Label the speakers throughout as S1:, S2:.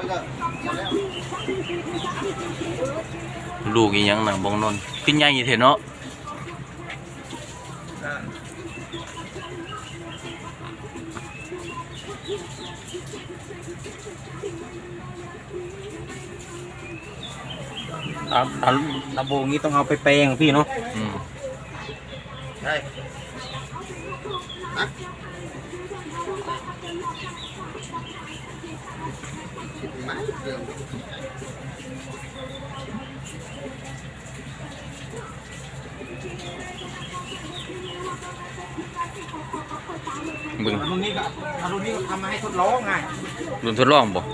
S1: ลูกอีหยังหนังบงนนขึ้นใหญ่เถอะเนาะ
S2: ตาโบงี้ต้องเอาไปแปลงพี่เนาะ
S3: ใช่
S1: บึง
S2: รุ่นนี้ก็ทำมาให้ทดลองไง
S1: รุ่นทดลองบ่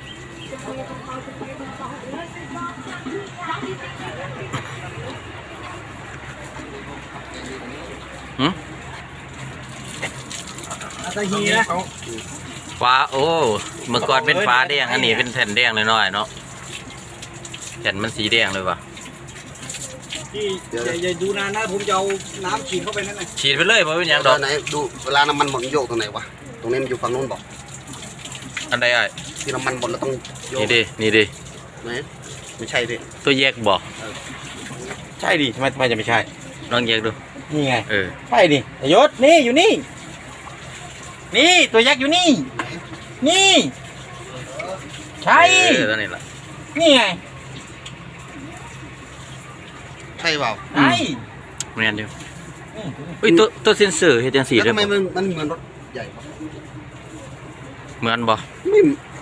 S2: ตะฮีนะ
S1: ฟ้าโอ้เมื่อก่อนเป็นฟ้าแดงอันนี้เป็นแผ่นแดงน้อยๆเนาะแผ่นมันสีแดงเลยว่ะ
S2: พี่อย่าดูนานนะผมจะเอาน้ำฉีดเข้าไปนั่นไง
S1: ฉีดไปเลยเพราะเป็นอย่างดอก
S3: ไหนดูเวลาน้ำมันหมดโยกตรงไหนวะตรงนี้มันอยู่ฝั่งโน้นบอก
S1: อันใดไอ้
S3: ที่น้ำมันหมดแล้วต้อง
S1: นี่ดิ
S3: ไหนไม่ใช่ดิ
S1: ตัวแยกบอก
S2: ใช่ดิทำไมจะไม่ใช่
S1: ลองแยกดู
S2: นี่ไงใช่ดิยศนี่อยู่นี่นี่ตัวยักษ์อยู่นี่นี่ใช่
S1: ตัวนี้ละ
S2: นี่ไง
S3: ใช่เปล่า
S2: ใช่
S1: เรียนเดียวอุ้ยตัวเซนเซอร์เฮ็ดจังซี่
S3: แล้วทำไมมันเหมือนรถใหญ่ปะ
S1: เหมือนบ่
S3: ไม่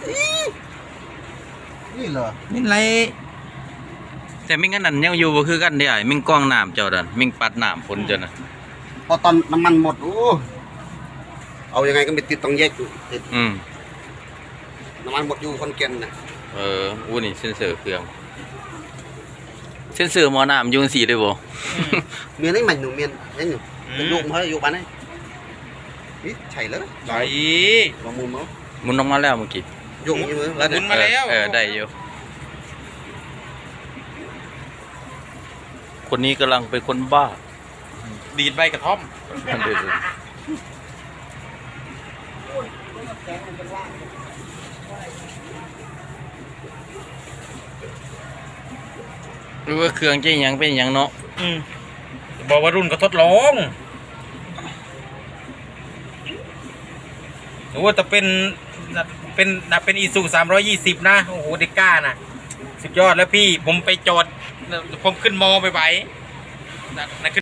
S3: นี่เหรอ
S2: นี่ไร
S1: แต่มิ่งอันนั้นยังอยู่บ่คือกันเด้อ้ายมิ่งกล้องน้ำเจ้าดันมิ่งปัดน้ำฝนเจ้าน่ะ
S3: พอตอนน้ำมันหมดโอ้เอายังไงก็ไม่ติดต้องแยกติดน้ำมันหมดอยู่คนเก่งนะ
S1: อู้นี่เซนเซอร์เครื่องเซนเซอร์หม้อน้ำอยู่จังซี่ได้บ่
S3: เมียนไอ้ใหม่หนูเมียนไอ้หนูเป็นลูกเขาอยู่บ้านไหนนี่ใช่เลย
S2: ใช่
S3: ลองมุนมั้ง
S1: มุนออกมาแล้วเมื่อกี้
S3: ยกอยู่แล้ว
S2: มุนมาแล้ว
S1: ได้อยู่คนนี้กำลังเป็นคนบ้า
S2: ดีดใบกระท่อม
S1: หรือว่าเครื่องจะยังเป็นยังเนาะ
S2: บอกว่ารุ่นก็ทดลองหรือว่าจะเป็นอีซู320นะโอ้โหเด็กก้าน่ะสุดยอดแล้วพี่ผมไปจอดผมขึ้นมอไปนั่นขึ้น